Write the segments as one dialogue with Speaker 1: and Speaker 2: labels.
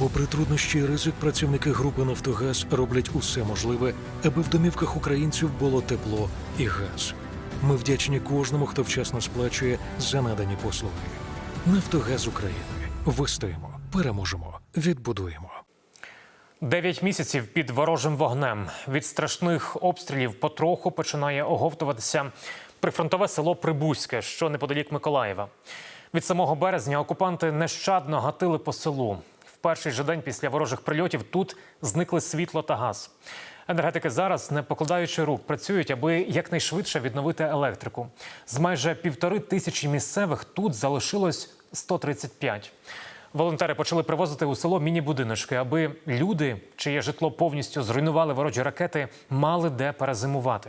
Speaker 1: Попри труднощі і ризик, працівники групи «Нафтогаз» роблять усе можливе, аби в домівках українців було тепло і газ. Ми вдячні кожному, хто вчасно сплачує за надані послуги. «Нафтогаз України». Вистоїмо, переможемо, відбудуємо.
Speaker 2: 9 місяців під ворожим вогнем. Від страшних обстрілів потроху починає оговтуватися прифронтове село Прибузьке, що неподалік Миколаєва. Від самого березня окупанти нещадно гатили по селу. В перший же день після ворожих прильотів тут зникли світло та газ. Енергетики зараз, не покладаючи рук, працюють, аби якнайшвидше відновити електрику. З майже 1500 місцевих тут залишилось 135. Волонтери почали привозити у село міні-будиночки, аби люди, чиє житло повністю зруйнували ворожі ракети, мали де перезимувати.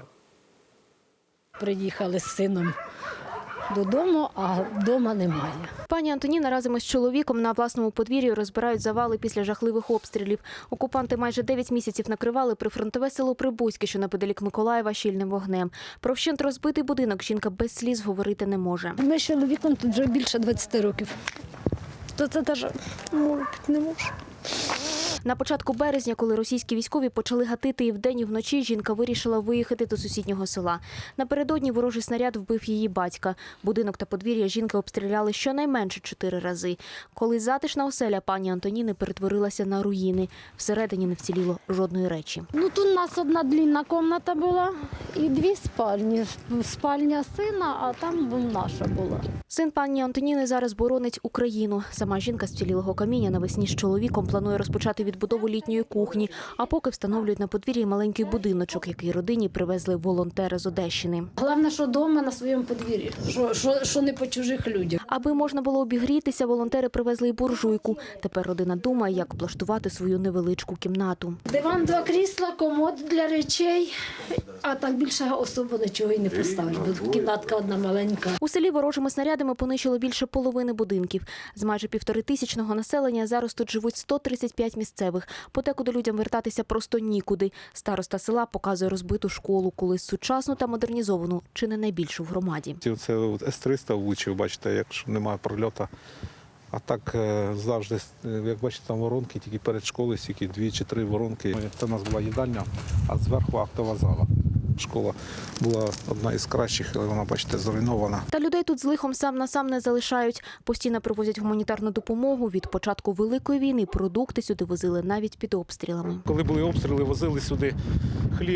Speaker 3: Приїхали з сином додому, а вдома немає.
Speaker 4: Пані Антоніна разом із чоловіком на власному подвір'ї розбирають завали після жахливих обстрілів. Окупанти майже 9 місяців накривали прифронтове село Прибузьке, що неподалік Миколаєва, щільним вогнем. Про вщент розбитий будинок жінка без сліз говорити не може.
Speaker 3: Ми з чоловіком тут вже більше 20 років. То це теж не можу.
Speaker 4: На початку березня, коли російські військові почали гатити і вдень, і вночі, жінка вирішила виїхати до сусіднього села. Напередодні ворожий снаряд вбив її батька. Будинок та подвір'я жінки обстріляли щонайменше 4 рази. Коли затишна оселя пані Антоніни перетворилася на руїни. Всередині не вціліло жодної речі.
Speaker 3: Тут у нас одна длинна кімната була і 2 спальні. Спальня сина, а там наша була.
Speaker 4: Син пані Антоніни зараз боронить Україну. Сама жінка з вцілілого каміння навесні з чоловіком планує розпочати відбудову літньої кухні, а поки встановлюють на подвір'ї маленький будиночок, який родині привезли волонтери з Одещини.
Speaker 3: Головне, що вдома на своєму подвір'ї, що не по чужих людях.
Speaker 4: Аби можна було обігрітися, волонтери привезли й буржуйку. Тепер родина думає, як облаштувати свою невеличку кімнату.
Speaker 3: Диван, 2 крісла, комод для речей, а так більше особо нічого і не поставиш, бо кімнатка одна маленька.
Speaker 4: У селі ворожими снарядами понищило більше половини будинків. З майже 1500-го населення зараз тут живуть 135 місцевих. Потекуди людям вертатися просто нікуди. Староста села показує розбиту школу, колись сучасну та модернізовану, чи не найбільшу в громаді.
Speaker 5: Це С-300 влучив, бачите, якщо немає прольоту. А так завжди, як бачите, там воронки, тільки перед школою, тільки 2 чи 3 воронки. Це у нас була їдальня, а зверху актова зала. Школа була одна із кращих, але вона, бачите, зруйнована.
Speaker 4: Та людей тут з лихом сам на сам не залишають. Постійно привозять гуманітарну допомогу. Від початку Великої війни продукти сюди возили навіть під обстрілами.
Speaker 5: Коли були обстріли, возили сюди хліб,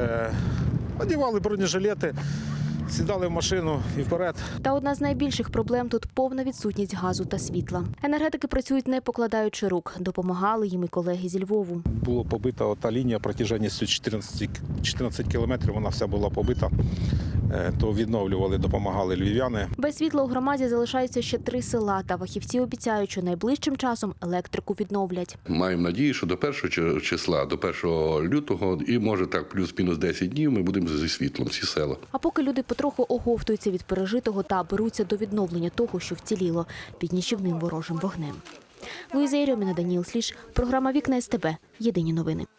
Speaker 5: одягали бронежилети, сідали в машину і вперед.
Speaker 4: Та одна з найбільших проблем тут – повна відсутність газу та світла. Енергетики працюють не покладаючи рук. Допомагали їм і колеги зі Львову.
Speaker 5: Була побита та лінія протяженністю 14 кілометрів, вона вся була побита. То відновлювали, допомагали львів'яни.
Speaker 4: Без світла у громаді залишаються ще 3 села. Та фахівці обіцяють, що найближчим часом електрику відновлять.
Speaker 6: Маємо надію, що до 1 числа, до 1 лютого, і може так плюс-мінус 10 днів ми будемо зі світлом, всі села.
Speaker 4: А поки люди потроху оговтуються від пережитого та беруться до відновлення того, що вціліло під нищівним ворожим вогнем. Луїза Єрьоміна, Даніл Сліж. Програма «Вікна СТБ». Єдині новини.